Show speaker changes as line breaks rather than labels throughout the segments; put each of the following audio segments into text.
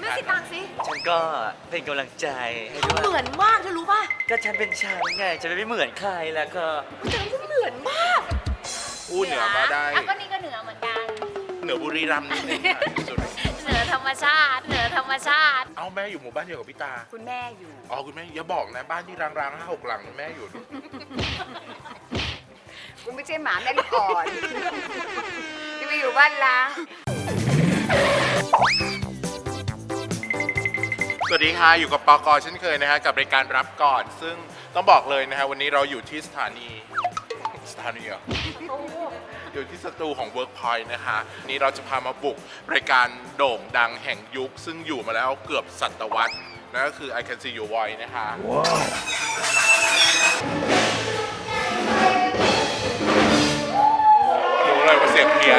ไม่สิตังสิ
ฉันก็เป็นกำลังใจให้ด้วย
เหมือนมากเธอรู้ป่ะ
ก็ฉันเป็นฉันไงจะไม่เหมือนใครแล้วก็
แต่ก็เหมือนมาก
อู้เหนือมาได้
อ่ะก็นี่ก็เหนือเหมือนกัน
เหนือบุรีรัมย์นิดนึงค่ะสุด
เหนือธรรมชาติ เหนือธรรมชาติ
เอาแม่อยู่หมู่บ้านเดียวกับพี่ตา
คุณแม่อยู่
อ๋อคุณแม่อย่าบอกนะบ้านที่ร้างๆ5-6 หลังแม่อยู่
คุณไม่ใช่หมาแม่ลูกอ่อนจะไปอยู่บ้านล้าง
สวัสดีค่ะอยู่กับปกเช่นเคยนะฮะกับรายการรับก่อน ซึ่งต้องบอกเลยนะฮะวันนี้เราอยู่ที่สถานีเหรออยู่ที่สตูของ Workpoint นะคะนี่เราจะพามาบุกรายการโด่งดังแห่งยุค ซึ่งอยู่มาแล้วเกือบศตวรรษนั่นก็คือ I Can See Your Voice นะคะรู้เลยว่าเสียงเพี้ยน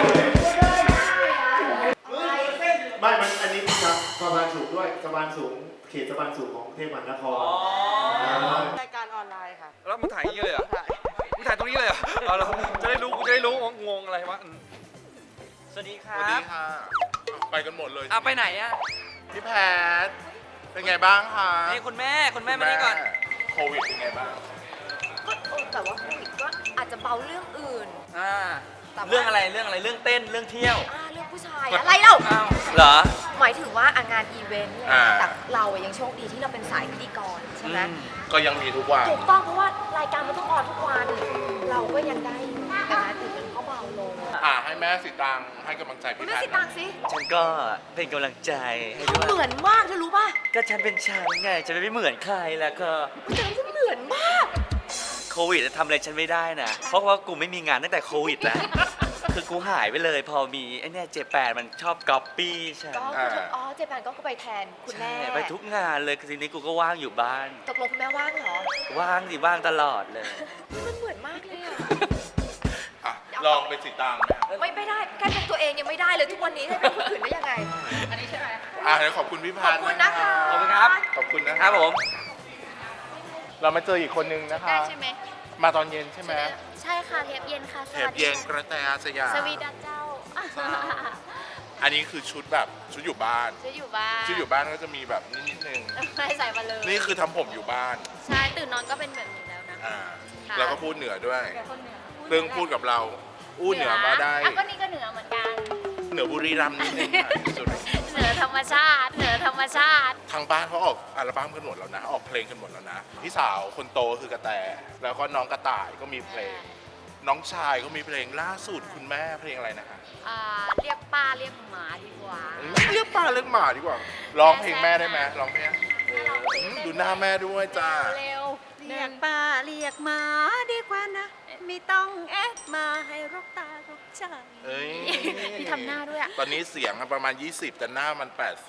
ไม่มันอันนี้ครับสะพานสูงด้วยสะพานสูงเขตสะพานสูงของกรุงเทพมหานคร
รายการออนไลน์ค่ะ
แล้วมึงถ่ายอย่างนี้เลยเหรอมึงถ่ายตรงนี้เลยเหรอเอาเราจะได้รู้กูจะได้รู้ว่างงอะไรวะสวัสดีค
ส
รั
วัสดี
บ
ค่ะไปกันหมดเลย
ไปไหนอะ
พี่แพทเป็นไงบ้างคะ
นี่คุณแม่มานี่ก่อน
โควิดเป็นไงบ้าง
ก็แต่ว่าโควิดก็อาจจะเบาเรื่องอื่น แต่ว่า
เรื่องอะไรเรื่องเต้นเรื่องเที่ยว
เรื่องผู้ชายอะไรเล่า
อ้าวเหรอ
หมายถึงว่างานอีเวนต์เลยแต่เรายังโชคดีที่เราเป็นสายพิธีกรใช่ไหม
ก็ยังมีทุกวัน
ถูกต้องเพราะว่ารายการมันต้องออนทุกวัน เราก็ยังได้อยู่แต่งานอื่นมันก็เบาลง
ให้แม่สิตังให้กำลังใจ
คุณ
พี่
แม่
แพท
สิตังสิ
ฉันก็เป็นกำลังใจให้ด้วย
เหมือนมากเธอรู้ป่ะ
ก็ฉันเป็นฉันไงจะไม่เหมือนใครแล้วก็
แต่ก็เหมือนมาก
โควิดทำอะไรฉันไม่ได้นะเพราะว่ากูไม่มีงานตั้งแต่โควิดแล้วคือกูหายไปเลยพอมีไอ้เนี่ยJ8มันชอบก๊อปปี้ฉัน
ก็เจแปนก็ไปแทนคุณแม่
ใช่ไปทุกงานเลยคือทีนี้กูก็ว่างอยู่บ้าน
ตกลงคุณแม่ว่างเหรอ
ว่างสิว่างตลอดเลย
มันเหมือนมากเลยอะ
ลองเป็นสิตังไหม
ไม่ได้แค่เป็นตัวเองยังไม่ได้เลยทุกวันนี้ให้เป็นคนอื่นได้ยังไง อันนี้ใช่ไหม
เดี๋ยวขอบคุณพี่แพ
ขอบ
ท
คุณนะคะ
ขอบคุณครับ
ขอบคุณนะ
ครับผม
เรามาเจออีกคนนึงนะคะ
ได้ใช่ไหม
มาตอนเย็นใช่ไหม
ใช่ค่ะเทปเย็นค่ะ ส
เท
วั
ป
สดี
เย็นกระแตอาสยาม
สวีดัสเจ้า
อันนี้คือชุดแบบชุดอยู่บ้าน
จะอยู่บ้าน
ชุดอยู่บ้านก็จะมีแบบนิดนึง
ไม่ใส่มาเลย
นี่คือทำผมอยู่บ้าน
ใช่ตื่นนอนก็เป็นแบบนี้แล้วนะ
ค่ะ
แล้ว
ก็พูดเหนือด้วย
คนเหนือ
เรื่องพูดกับเรา อู้เหนือมาได้
อ่ะก็นี่ก็เหนือเหมือนกัน
เหนือบุรีรัมย์นิดนึงค่ะสุด
เหนือธรรมชาติ เหนือธรรมชาติ
ทางบ้านเขาออกอัลบั้มกันหมดแล้วนะ ออกเพลงกันหมดแล้วนะ พี่สาวคนโตคือกระแต แล้วก็น้องกระต่ายก็มีเพลง น้องชายก็มีเพลงล่าสุดคุณแม่เพลงอะไรนะคะ
เรียกป้าเรียกหมาดีกว่า
เรียกป้าเรียกหมาดีกว่า ร้องเพลงแม่ได้ไหมร้องเพลงดูหน้าแม่ด้วยจ้า
เร็ว
เรียกป้าเรียกหมาดีกว่านะ ไม่ต้องแอดมาให้รกตารกใจ
เอ้ย
มีทำหน้าด้วยอ่ะ
ตอนนี้เสียงประมาณ 20 แต่หน้ามัน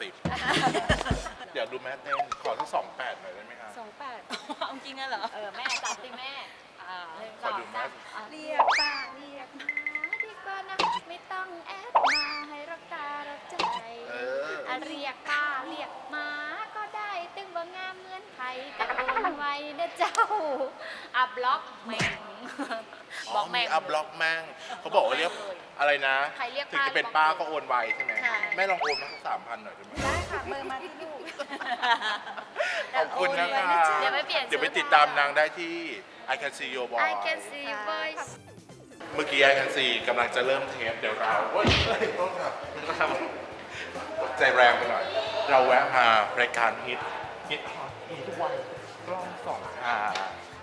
80 เดี๋ยวดูแม่เต้น ขอสัก28หน่อยได้ไหมครับ
เอาจริงอะเหรอ
แม่จับสิแม่
ขอดูแม่
เรียกป้าเรียกหมา
ดีกว่านะไม่ต้องแอดมาให้รักตารักใจ
เออ
เรียกป้าเรียกหมาก็ได้ตึงว่างามเหมือนไผ่แต่โอนไว้นะเจ้าบล็อกแม่งบอกแม่ง
อัพบล็อกแม่งเขาบอกว่าเรียกอะไรนะ
ใครเรียก
ถึง
ป้า
จะเป็นป้าก็โอนไวใช่ไหม
ใช่
แม่ลองโอนมาสัก3,000หน่อยได้ไหม
ได้ค่ะเบอร์มาที่ลูก
ขอบคุณนะคะ
เดี๋ยวไปเปลี่ยน
เดี๋ยวไปติดตามนางได้ที่ I Can See Your Voice
I can see your voice
เมื่อกี้ I Can See กำลังจะเริ่มเทปเดี๋ยวเราเฮ้ยต้องทำใจแรงไปหน่อย เราแวะมารายการฮิตฮอตมีทุกวันกล้อง2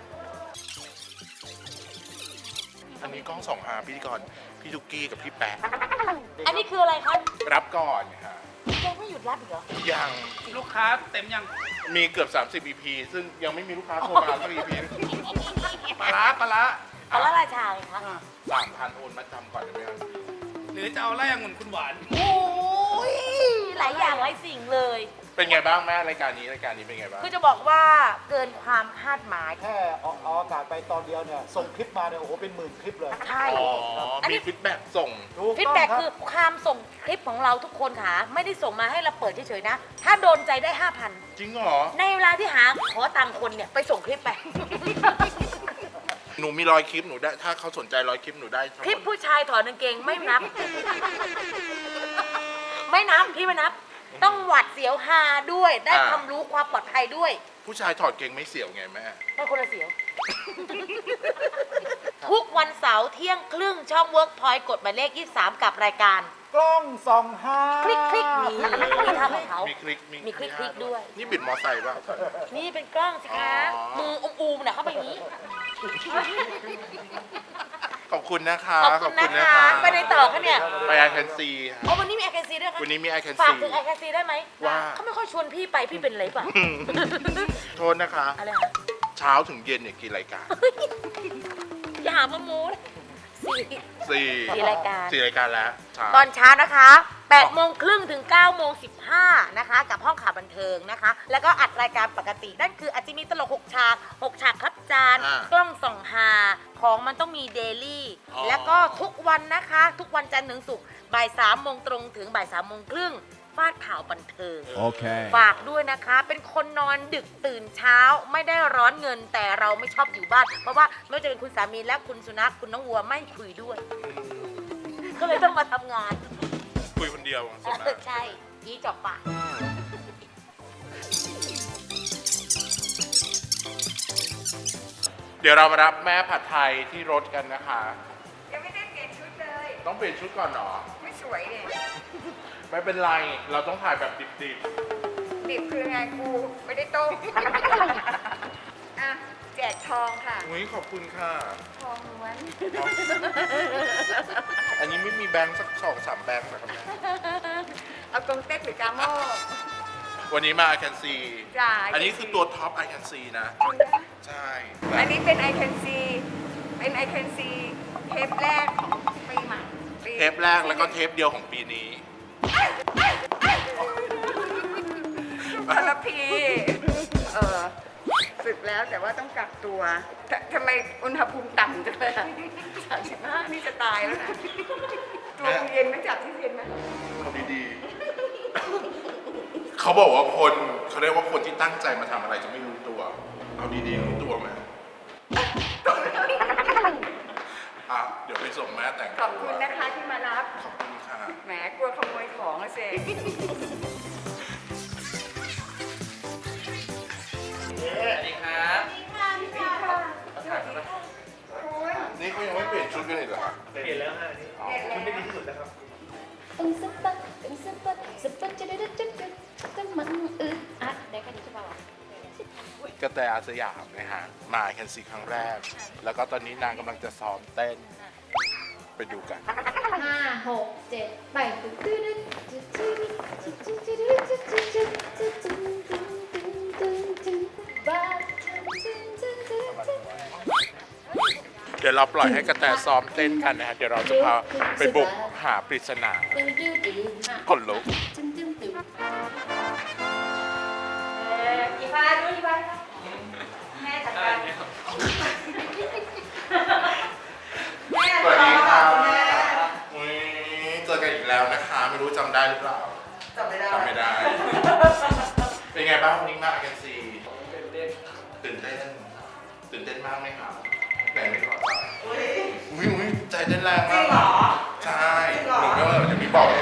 อันนี้กล้อง2 พิธีกรพี่ทุกกี้กับพี่แปะ
อันนี้คืออะไรคะ
รับก่อนค่ะ
ยังไม่หยุดรับอีกเหรอ
ยัง
ลูกค้าเต็มยัง
มีเกือบ30 EP ซึ่งยังไม่มีลูกค้าโทรมาสัก EP
ปลาร้า
เอาละราชาไงคะ
3,000โอนมาจำก่อนได้ไหมครับ
หรือจะเอาไล่องุ่นคุณหวาน
โอ้ยหลายอย่างหลายสิ่งเลย
เป็นไงบ้างแม่รายการนี้เป็นไงบ้าง
คือจะบอกว่าเกินความคาดหมาย
แค่ออกอากาศไปตอนเดียวเนี่ย ส่งคลิปมาเนี่ย โอ้โห เป็นหมื่นคลิปเลย
ใช่
อ๋อ
อัน
มี
นี้
ฟีดแบ็กส่ง
ถูก
ฟีด
ต้อง
แบ็ก
รับ
คือความส่งคลิปของเราทุกคนค่ะ ไม่ได้ส่งมาให้เราเปิดเฉยๆนะ ถ้าโดนใจได้ 5,000
จริงเหรอ
ในเวลาที่หาขอตังค์คนเนี่ย ไปส่งคลิปไป
หนูมี100 คลิปหนูได้ ถ้าเขาสนใจ100 คลิปหนูได้ทั้งหมด
คลิปผู้ชายถอดกางเกงไม่นับ ไม่นับ พี่ไม่นับ
ต้องหวัดเสียวฮาด้วย ได้
อ่า
ความรู้ความปลอดภัยด้วย
ผู้ชายถอดเกงไม่เสียวไงแม่
มันคนละเสียว ทุกวันเสาร์เที่ยงครึ่งช่อง Workpoint กดหมายเลข 23 กับรายการ
กล้องส่องหา
คลิกคลิกนี่มีท่าของเขา
มีคลิก
มีคลิกคลิกด้วย
นี่บิดมอไซค์ป่ะ
นี่เป็นกล้องสิคะ
อ๋อ
มืออูมๆนะเข้าไปอย่างนี้
ขอบคุณนะคะ
ขอบคุณนะคะ ไปในต่อคะเนี่ย
ไปไอแคนซี
โอ้วันนี้มีไอแคนซีด้วยคะ
วันนี้มีไอแคน
ฝาก
ซี
ถึงไอแคนซีได้ไหม
ว่า
เขาไม่ค่อยชวนพี่ไปพี่เป็นอะไรป่ะ
โทษนะคะ
อะไรคะ
เช้าถึงเย็นเนี่ยกี่รายการ
อย่าหามาโม้นะสี่
สี่
รายการ
สี่รายการแล้วเช้า
ตอนเช้านะคะ8โมงครึ่งถึง9โมง15นะคะ กับห้องข่าวบันเทิงนะคะ แล้วก็อัดรายการปกติ นั่นคืออาจจะมีตลก6ฉาก6ฉากครับจาน
อ่าก
ล้องส่องหา ของมันต้องมีเดลี่
อ๋อ
แล้วก็ทุกวันนะคะ ทุกวันจันทร์ถึงศุกร์บ่าย3โมงตรงถึงบ่าย3โมงครึ่งฟาดข่าวบันเทิง
Okay.
ฝากด้วยนะคะ เป็นคนนอนดึกตื่นเช้า ไม่ได้ร้อนเงินแต่เราไม่ชอบอยู่บ้าน เพราะว่าไม่ว่าจะเป็นคุณสามีและคุณสุนัขคุณน้องวัวไม่คุยด้วย ก็เลยต้องมาทำงาน
คุยคนเดียวส่วนมาก
ใช่อีจอบปาก
เดี๋ยวเรามารับแม่ผัดไทยที่รถกันนะคะ
ยังไม่ได้เปลี่ยนชุดเลย
ต้องเปลี่ยนชุดก่อนเหรอ
ไม่สวยเนี่ย
ไม่เป็นไร เราต้องถ่ายแบบดิบ
ดิบคือไงกูไม่ได้ต้ม อ่ะ แจกทองค่ะ
ๆอุ้ยขอบคุณค่ะ
ทองล้วน
อันนี้ไม่มีแบงค์สัก2-3แบงค์นะครับแม่
เอากงเต็กหรือกาโม่
วันนี้มา I can see
จ้า
อันนี้คือตัวท็อป I can see นะ ใช่
อันนี้เป็น I can see เป็น I can see เทปแรกของปีใหม่ปี
เทปแรกแล้วก็เทปเดียวของปีนี้
คนละพีสึกแล้วแต่ว่าต้องกักตัวทำไมอุณหภูมิต่ำจังเลยอะ35นี่จะตายแล้วนะ ตัวกูเย็นไหมจับที่เย็นไหม
เขาดีๆ เขาบอกว่าคนเขาเรียกว่าคนที่ตั้งใจมาทำอะไรจะไม่รู้ตัว เอาดีๆรู้ตัวไหมอ่ะเดี๋ยวไปส่งแม่แต่งตัว
ขอบคุณนะคะที่มารับ
ขอบคุณค่ะ
แหมกลัวขโมยของอะเซ
สวัสดีครับ
นี่เขายังไม่เปลี่ยนชุดกันเลยเหรอ
เปลี่ยนแล้วฮะนี่ชุดไม่ดีที่สุดแล้วครับ
มันอึดอัดได้แค่นี้ใช่ป่าวะ
กระแตอาสยามนะฮะ มาแคนซีครั้งแรก แล้วก็ตอนนี้นางกำลังจะซ้อมเต้น ไปดูกัน
5 6 7ไปบ้า
เดี๋ยวเราปล่อยให้กระแตซ้อมเต้นกันนะฮะ เดี๋ยวเราจะพาไปบุกหาปริศนาคนลุก
อีฟ้าดูอีฟ้าแม่จัดการ
สวัสดีครับอุ๊ยเจอกันอีกแล้วนะคะ ไม่รู้จำได้หรือเปล่า
จำไม่ได้
จำไม่ได้ เป็นไงบ้างวันนี้มาแคนซีตื่นเต้น ตื่นเต้นมากไหมครับไหนไม่ขอใจอุ้ยใจเต้นแรงมากเหรอ ใช่หนูไม่ว่าเราจะมีบอกเลย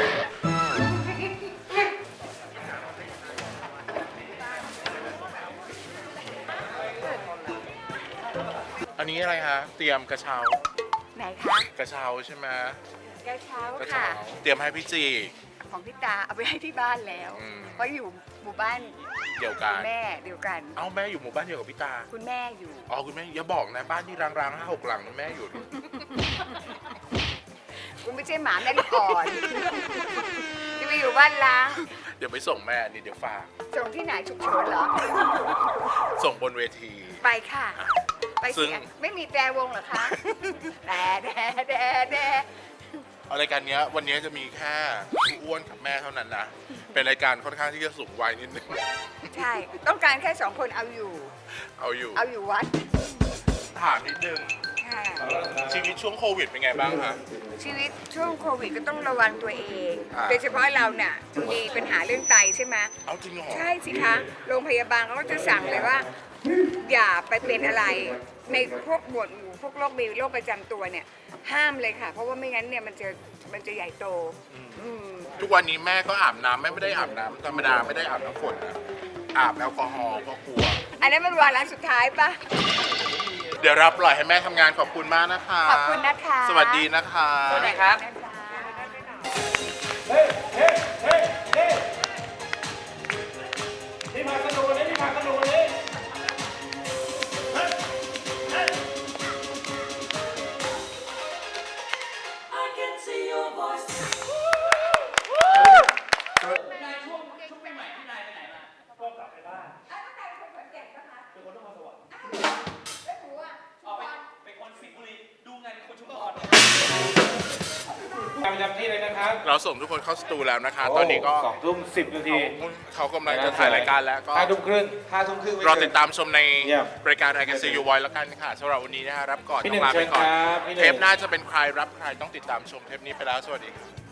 อันนี้อะไรคะ เตรียมกระเช้า
ไหนคะ
กระเช้าใช่ไหม
กระเช้าก
ระ
ค่ะ
เช้า เตรียมให้พี่จี
ของพี่ตาเอาไปให้ที่บ้านแล้ว
อืม
เพราะอยู่หมู่บ้าน
เดียวกัน
แม่เดียวกัน
เอ้าแม่อยู่หมู่บ้านเดียวกับพี่ตา
คุณแม่อยู่
อ๋อคุณแม่อย่าบอกนะบ้านที่ร้างๆ5-6 หลังนะแม่อยู่ด้วย
กูไม่ใช่หมาแม่ลูกอ่อนจะไปอยู่บ้านล้าง
เดี๋ยวไปส่งแม่นี่เดี๋ยวฝาก
ส่งที่ไหนฉุกเฉินเหรอ
ส่งบนเวที
ไปค่ะ ไป
ซึ่
สิ
ง
ไม่มีแต่วงเหรอคะแต่
เอารายการเนี้ยวันนี้จะมีแค่พี่อ้วนกับแม่เท่านั้นนะ เป็นรายการค่อนข้างที่จะสูงวัยนิดนึง
ใช่ ต้องการแค่2 คนเอาอยู่
เอาอยู่
เอาอยู่วัด
ถามนิดนึง
ค่ะ
ชีวิตช่วงโควิดเป็นไงบ้างคะ
ชีวิตช่วงโควิดก็ต้องระวังตัวเอง
อ่า
โดยเฉพาะเราเนี่ยมีปัญหาเรื่องไตใช่ไหม
เอาจริงเหรอ
ใช่สิคะ โรงพยาบาลเขาก็จะสั่งเลยว่า อย่าไปเป็นอะไร ในพวกหมวดหมู่พวกโรคมีโรคประจำตัวเนี่ย ห้ามเลยค่ะ เพราะว่าไม่งั้นเนี่ยมันจะใหญ่โต อืม
ทุกวันนี้แม่ก็อาบน้ำไม่ได้อาบน้ำธรรมดาไม่ได้อาบน้ำฝนนะอาบแอลกอฮอล์เพราะกลัว
อันนั้นมันวาระสุดท้ายปะ
เดี๋ยวเราปล่อยให้แม่ทำงานขอบคุณมากนะคะ
ขอบคุณนะคะ
สวัสดีนะคะ
สวัสดีครับ
ประจำที่เลยนะครับ
เราส่งทุกคนเข้าสตูแล้วนะคะ ตอนนี้ก็
2 ทุ่ม 10 นาที
เขากำลังจะถ่ายรายการแล้วก็
5 ทุ่มครึ่ง5 ทุ่มครึ่ง
รอติดตามชมใน
เยี่ยม
รายการ I Can See You Voice แล้วกันค่ะสำหรับวันนี้นะฮะรับก่อน
พี่
ต้
หนึ่
อง งลาไปก่อน
เชิญครับพี่หนึ่ง
เทปหน้าจะเป็นใครรับใครต้องติดตามชมเทปนี้ไปแล้วสวัสดีค่ะ